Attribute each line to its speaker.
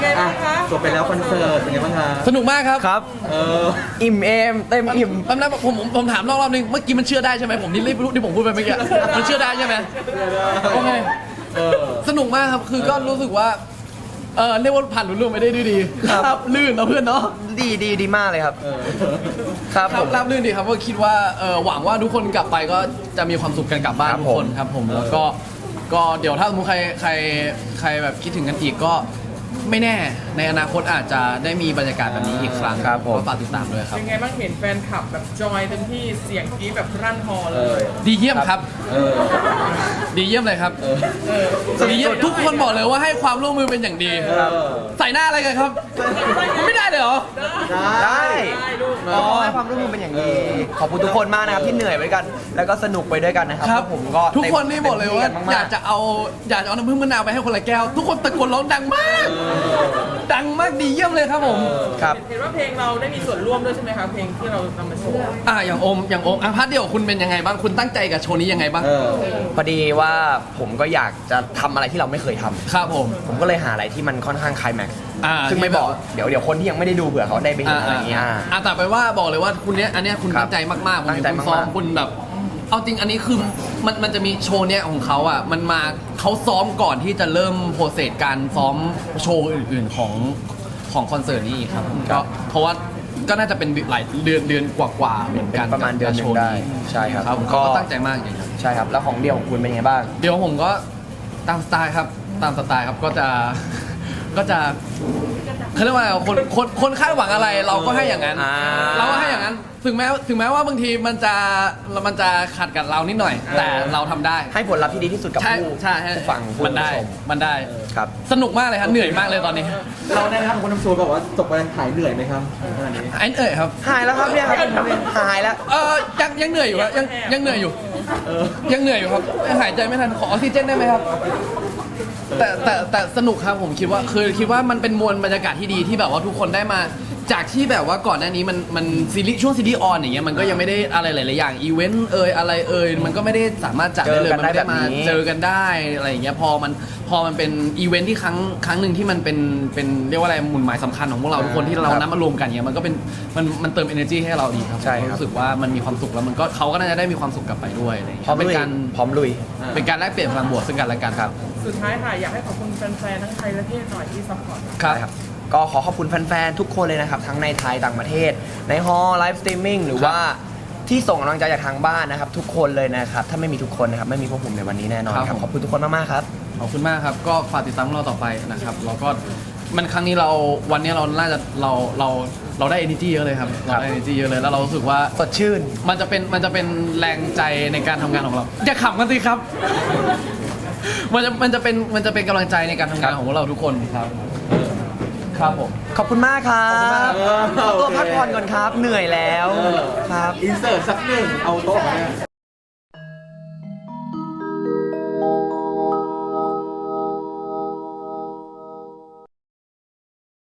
Speaker 1: ไงบ้างคะ
Speaker 2: จบไปแล้วคอนเสิร์ตเป็นไงบ้างคะ
Speaker 3: สนุกมากครับ
Speaker 4: ครับ
Speaker 2: เออ
Speaker 4: อิ่มเอมเต็มอิ่ม
Speaker 3: แป๊บนึงผมถามรอบนึงเมื่อกี้มันเชื่อได้ใช่ไหมผมนี่รีบรู้ที่ผมพูดไปเมื่อกี้มันเชื่อได้ใช่ไหมโอเค
Speaker 2: เออ
Speaker 3: สนุกมากครับคือก็รู้สึกว่าเรียกว่าผ่านรุ่นร่วงไปได้ด้วยดี
Speaker 4: ครับ
Speaker 3: ลื่นเนาะเพื่อนเนาะ
Speaker 4: ดีมากเลยครับ
Speaker 2: เออ
Speaker 4: ครับ
Speaker 3: ครั
Speaker 4: ผ
Speaker 3: บ
Speaker 4: ม
Speaker 3: ราบรื่นดีครับก็คิดว่าหวังว่าทุกคนกลับไปก็จะมีความสุขกันกลับบ้าน
Speaker 4: ครับ
Speaker 3: ทุกคนครับผมแล้วก็เดี๋ยวถ้าสมมติใครแบบคิดถึงกันอีกก็ไม่แน่ในอนาคตอาจจะได้มีบรรยากาศแบบนี้อีกครั้ง
Speaker 4: ครับผม
Speaker 3: ก็ฝากติดตามด้วยครับ
Speaker 1: เป็นไงบ้างเห็นแฟนคลับแบบจอยเต็มที่เสียงกรี๊ดแบบรั่นฮอเลย
Speaker 3: ดีเยี่ยมครับ
Speaker 2: เออ
Speaker 3: ดีเยี่ยมเลยครับ ดีเยี่ยมทุกคนบอกเลยว่าให้ความร่วมมือเป็นอย่างดี
Speaker 2: เออ
Speaker 3: ใส่หน้าอะไรกันครับ ไม่ได้เลยเหรอ
Speaker 4: ได้
Speaker 1: ได้ลูก
Speaker 4: ก็ให้ความร่วมมือเป็นอย่างดีขอบคุณทุกคนมากนะครับที่เหนื่อยไปด้วยกัน แล้วก็สนุกไปด้วยกันนะครับ
Speaker 3: ครับ
Speaker 4: พวกผมก็
Speaker 3: ทุกคนนี่บอกเลยว่า
Speaker 4: ต็มที่นม
Speaker 3: อยากจะเอาน้ำผึ้งมะนาวไปให้คนละแก้ว ทุกคนตะโกนร้องดังมาก ดังมากดีเยี่ยมเลยครับผม
Speaker 4: ครับ
Speaker 1: เห็นว่าเพลงเราได้มีส่วนร่วมด้วยใช่ไหมคะเพลงที่เรานำมาโชว์
Speaker 3: อย่างโอมพาร์ทเดียวคุณเป็นยังไงบ้างคุณตั้งใจกับโชว์นี้ยังไงบ้าง
Speaker 2: เออ
Speaker 4: พอดีว่าผมก็อยากจะทำอะไรที่เราไม่เคยทำ
Speaker 3: ครับผม
Speaker 4: ผมก็เลยหาอะไรที่มันค่อนข้างไคลแม็กซ์
Speaker 3: อ่า
Speaker 4: ซึ่งไม่บอกเดี๋ยวคนที่ยังไม่ได้ดูเผื่อเขาได้ไปเห็นอะไรอย่างเงี้ย
Speaker 3: แต่ไปว่าบอกเลยว่าคุณเนี้ยอันเนี้ยคุณ
Speaker 4: ครับ
Speaker 3: ตั้งใจมากๆผม
Speaker 4: ตั้
Speaker 3: เห็
Speaker 4: ง
Speaker 3: น
Speaker 4: ใจ
Speaker 3: คุณ
Speaker 4: มากๆ
Speaker 3: ซ้อมคุณแบบ เอาจริงอันนี้คือมันจะมีโชว์เนี้ยของเขาอ่ะมันมาเขาซ้อมก่อนที่จะเริ่มโปรเซสการซ้อมโชว์อื่นๆของคอนเสิร์ตนี้อีกครับก็เพราะว่าก็น่าจะเป็นหลายเดือนกว่าๆเหมือนกัน
Speaker 4: ประมาณเดือนหนึ่ง
Speaker 3: กับโชว์
Speaker 4: ได้
Speaker 3: นี้
Speaker 4: ใช่ครับ
Speaker 3: ครับเขาก็ตั้งใจมากจริงครับ
Speaker 4: ใช่ครับแล้วของเดียวของคุณเป็นยังไงบ้าง
Speaker 3: เดี๋ยวผมก็ตามสไตล์ครับตามสไตล์ครับก็จะเขาเรียกว่าอะไรคนคาดหวังอะไรเราก็ให้อย่างนั้น เราก็ให้อย่างนั้น ถึงแม้ว่าบางทีมันจะขัดกับเรานิดหน่อย แต่เราทำได้
Speaker 4: ให้ผลลัพธ์ที่ดีที่สุดกับ
Speaker 3: ใช่
Speaker 4: ผู้
Speaker 3: ใช่
Speaker 4: ผู้ฟังผู้
Speaker 3: มันได้
Speaker 4: ชม
Speaker 3: มันได้
Speaker 4: ครับ
Speaker 3: สนุกมากเลยครับเหนื่อยมากเลยตอนนี้
Speaker 2: เราได้ทำคนทำโชว์บอกว่าจบไปหายเหนื่อยไหมครับอันนี้
Speaker 3: ไอ้ครับ
Speaker 4: หายแล้วครับเนี่ยครับหายแล้ว
Speaker 3: ยังเหนื่อยอยู่ครับยังเหนื่อยอยู่
Speaker 2: เออ
Speaker 3: ยังเหนื่อยอยู่ครับหายใจไม่ทันขอออกซิเจนได้ไหมครับ แต่สนุกครับผมคิดว่ามันเป็นมวลบรรยากาศที่ดีที่แบบว่าทุกคนได้มาจากที่แบบว่าก่อนหน้านี้มันซีรีส์ช่วงซีรีส์ออนอย่างเงี้ยมันก็ยังไม่ได้อะไรหลายๆอย่างอีเวนต์อะไรมันก็ไม่ได้สามารถจัดได้เลยมันไม่ได้มาเจอกันได้อะไรอย่างเงี้ยพอมันเป็นอีเวนต์ที่ครั้งหนึ่งที่มันเป็นเรียกว่าอะไรหมุนหมายสำคัญของพวกเราทุกคนที่เรานัดมารวมกันเงี้ยมันก็เป็นมันเติม energy ให้เราดีครับ
Speaker 4: ใช่ครับ
Speaker 3: รู้สึกว่ามันมีความสุขแล้วมันก็เขาก็น่าจะได้มีความสุขกลับไปด้วยอะไรอย่าง
Speaker 4: พร้อ
Speaker 3: เงี้
Speaker 4: ม
Speaker 3: ย
Speaker 4: ลุย พร้อมลุย
Speaker 3: เป็นการแลกเปลี่ยนพลังบวกซึ่งกันและกันครับ
Speaker 1: สุดท้ายค่ะอยากให้ขอบคุณแฟนๆทั้งไทยและเทศหน่อยที่ซัพพอร์ต
Speaker 3: ครับ
Speaker 4: ก็ขอขอบคุณแฟนๆ ทุกคนเลยนะครับ ทั้งในไทยต่างประเทศ ในฮอลไลฟ์สตรีมมิ่งหรือว่าที่ส่งกำลังใจจากทางบ้านนะครับ ทุกคนเลยนะครับ ถ้าไม่มีทุกคนนะครับ ไม่มีพวกผมในวันนี้แน่นอนครับ ขอบคุณทุกคนมากๆครับ
Speaker 3: ขอบคุณมากครับ ก็ฝากติดตามพวกเราต่อไปนะครับแล้วก็มันครั้งนี้วันนี้เราน่าจะเราได้ energy เยอะเลยครับเราได้ energy เยอะเลยแล้วเรารู้สึกว่า
Speaker 4: สดชื่น
Speaker 3: มันจะเป็นแรงใจในการทำงานของเราอย่าขำกันสิครับ มันจะเป็นกำลังใจในการทำงานของพวกเราทุกคนครับครับผม
Speaker 4: ขอบคุณมากครับ
Speaker 2: ขอบคุณมาก
Speaker 4: ขอตัวพักผ่อนก่อนครับ เหนื่อยแล้ว ครับ
Speaker 2: อินเสิร์ตสักหนึ่งเอาโต๊ะมาเนี่ย